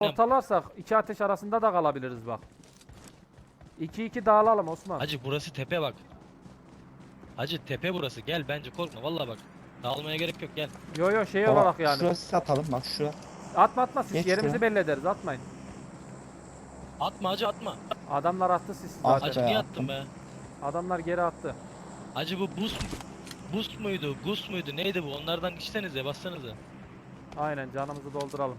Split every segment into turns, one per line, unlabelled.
Ortalarsak iki ateş arasında da kalabiliriz bak. 2-2 dağılalım Osman.
Hacı burası tepe bak. Hacı tepe burası. Gel bence korkma vallahi bak. Dağılmaya gerek yok gel.
Yo yo şey
Baba,
olarak yani.
şurası satalım bak şura.
Atma siz
Geç
yerimizi
şuraya.
belli ederiz atmayın.
Atma hacı atma.
Adamlar attı siz
At
zaten.
Hacı
be,
niye
attım.
attın be?
Adamlar geri attı.
Hacı bu boost muydu? Gus muydu? Neydi bu? Onlardan içsenize bassanıza.
Aynen canımızı dolduralım.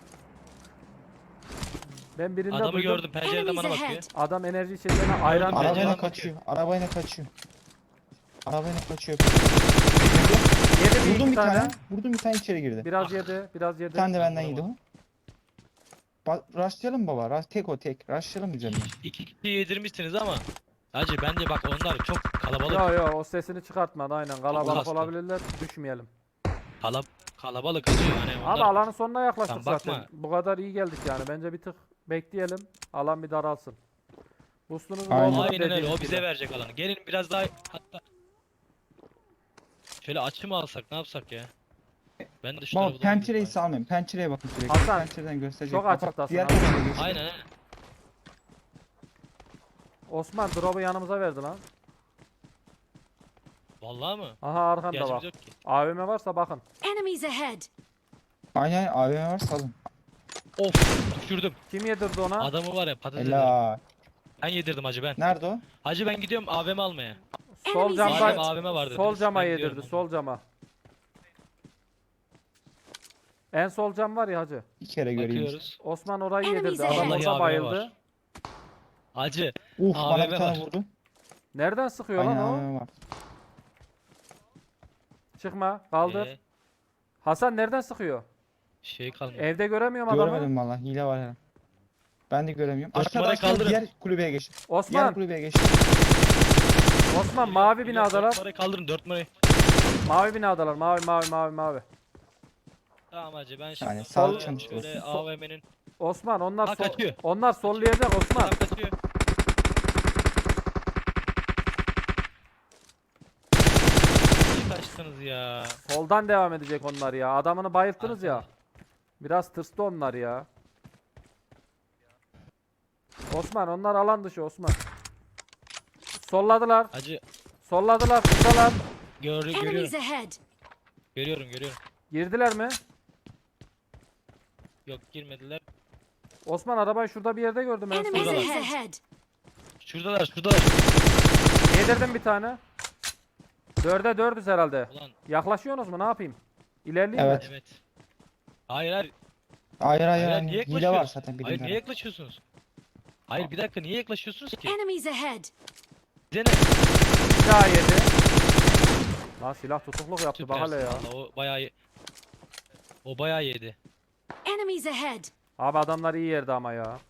Ben birinde
Adamı
duydum.
gördüm pencereden bana bakıyor.
Adam enerji içeceğine ayran
Gördüm,
veriyor.
pencereden
Arabayla kaçıyor. Arabayla kaçıyor. Arabayla kaçıyor.
Yedi
Vurdum
bir
bir
tane.
tane. Vurdum bir tane içeri girdi.
Biraz yedi, biraz
Bir
yedi.
tane de benden yedi o.
Vuramadım.
Rushlayalım baba. Tek o tek. Rushlayalım üzerine.
İki kişi yedirmişsiniz ama. Hacı bence bak onlar çok kalabalık.
Yo yo o sesini çıkartmadı aynen. Kalabalık
kastı.
olabilirler. Düşmeyelim.
Kalabalık hacı yani
Abi
onlar.
alanın sonuna yaklaştık
Sen bakma.
zaten. Bu kadar iyi geldik yani. Bence bir tık bekleyelim. Alan bir daralsın. Boost'unuzu
Aynen.
doldurun
Aynen öyle o
dediğiniz
bize
gibi.
verecek alanı. Gelin biraz daha hatta. Şöyle açı mı alsak ne yapsak ya? Ben de şu
Baba
tarafa doğru
pencereyi
gideyim bari.
salmayın. Pencereye bakın sürekli.
Hasan,
Pencereden gösterecek.
çok
Kapat,
açıktasın
diğer
Hasan.
tarafa geç.
Aynen aynen.
Osman drop'u yanımıza verdi lan.
Vallahi mı?
Aha arkanda
İhtiyacımız
bak.
yok ki.
AVM varsa bakın.
Enemies ahead.
Aynen AVM var salın.
Of düşürdüm.
Kim yedirdi ona?
Adamı var ya patates ederim.
Helal.
Ben yedirdim hacı ben.
Nerede o?
Hacı ben gidiyorum AVM almaya.
Sol
Enemies
Madem
camda.
ahead.
AVM vardı.
Sol
dediniz,
cama
ben
yedirdi.
gidiyorum.
Sol cama. En sol cam var ya hacı.
Bir kere göreyim.
Bakıyoruz.
Osman orayı
Enemies
yedirdi. Adam
ahead.
orada
Vallahi
bayıldı.
AVM var. Hacı
Bana
AVM
bir tane
var.
vurdu.
Nereden sıkıyor
Aynen
lan o?
AVM var.
Çıkma. Kaldır.
Ee,
Hasan nereden sıkıyor?
şey kalmadı.
Evde göremiyorum adamı.
Görmedim valla. Hile var herhalde. Ben de göremiyorum.
Dört
Aşağıda
numara
aşağıda
kaldırın.
diğer kulübeye geçti. Diğer
Osman.
kulübeye geçti.
Osman mavi
Dört
binadalar.
numarayı kaldırın 4 numarayı.
Mavi binadalar. Mavi.
Tamam hacı ben şimdi
Yani
Sol-
sağlık çalışması.
şöyle AVM'nin
Osman onlar
Ha, kaçıyor.
onlar sollayacak Osman.
adam kaçıyor. Niye kaçtınız ya?
Soldan devam edecek onlar ya. Adamını bayılttınız ya. Biraz tırstı onlar ya. Osman onlar alan dışı Osman. Solladılar.
Hacı
Solladılar. Kısalar.
Enemies
görüyorum.
ahead.
Görüyorum.
Girdiler mi?
Yok girmediler.
Osman arabayı şurada bir yerde gördüm en
Enemies
son.
Şuradalar.
ahead.
Şuradalar.
Yedirdim bir tane. 4'e 4'üz herhalde.
Ulan
Yaklaşıyorsunuz mu? Ne yapayım? İlerleyeyim mi?
Evet.
evet. Hayır hayır.
Hayır hayır.
Hayır, niye
Hile var
yaklaşıyorsunuz?
zaten
Hayır
bilimler.
niye yaklaşıyorsunuz? Hayır bir dakika niye yaklaşıyorsunuz ki?
Enemies ahead.
Bize ne?
Bir daha yedi. Lan silah tutukluk yaptı bak hele ya.
Süpersin valla, o bayağı yedi.
Enemies ahead.
Abi adamlar iyi yerde ama ya.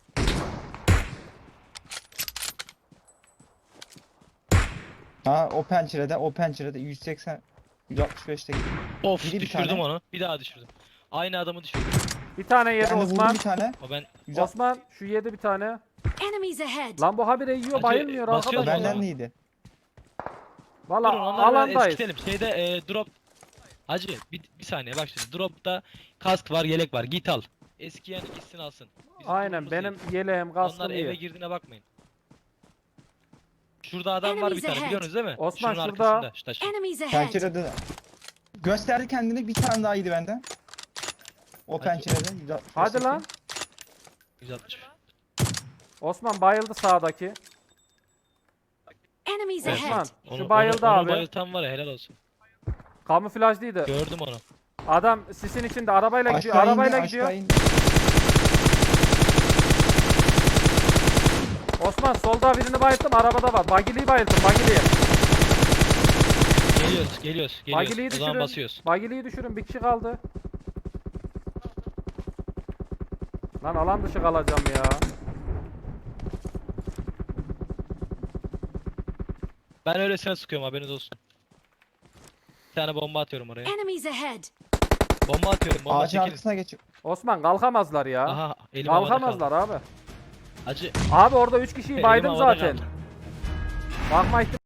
Ha o pencerede 180 165'te.
Of
Biri bir
düşürdüm
tane.
onu. Bir daha düşürdüm. Aynı adamı düşürdüm.
Bir tane yedi
Ben de vurdum
Osman.
bir tane.
O ben
Osman şu yedi bir tane.
Enemies ahead.
Lan bu habire yiyor
Hacı,
bayılmıyor
basıyoruz
arkadaş.
o
Benden
zaman.
neydi?
Valla
durun onları biraz
alandayız.
eskitelim. Şeyde drop. Hacı bir saniye bak şimdi. Dropta kask var yelek var. Git al. Eskiyen ikisini alsın. Bizim
Aynen
durumumuz
benim
iyi.
yeleğim
Onlar
kaskım
eve
iyi.
girdiğine bakmayın. Şurada adam var bir
Enemies
tane
ahead.
biliyorsunuz değil mi?
Osman,
Şunun
şurada.
arkasında, şu taşın.
Enemies ahead.
Pencerede de. Gösterdi kendini bir tane daha iyiydi benden. O
Hadi.
pencerede. 165'teki.
Hadi lan.
160.
Osman bayıldı sağdaki.
Enemies
Evet.
Osman
ahead.
şu bayıldı
onu
abi.
bayıltan var ya helal olsun.
Kamuflajlıydı.
Gördüm onu.
Adam sisin içinde arabayla gidiyor.
Aşağı
Arabayla
indi,
gidiyor.
aşağı indi.
Osman solda birini bayılttım. Arabada var. Bagili'yi bayılttım. Bagili'yi.
Geliyoruz.
Bagili'yi
O zaman
düşürün.
basıyoruz.
Bagili'yi düşürün. Bir kişi kaldı. Lan alan dışı kalacağım ya.
Ben öylesine sıkıyorum haberiniz olsun. Bir tane bomba atıyorum oraya.
Enemies ahead.
Bomba atıyorum. Bomba
Ağacın
çekilin.
arkasına geçiyor.
Osman kalkamazlar ya.
Aha elim havada kaldı.
Kalkamazlar abi.
Hacı
Abi orada 3 kişiyi
elim
baydım
havada
zaten.
kaldı.
Bakma ihtimali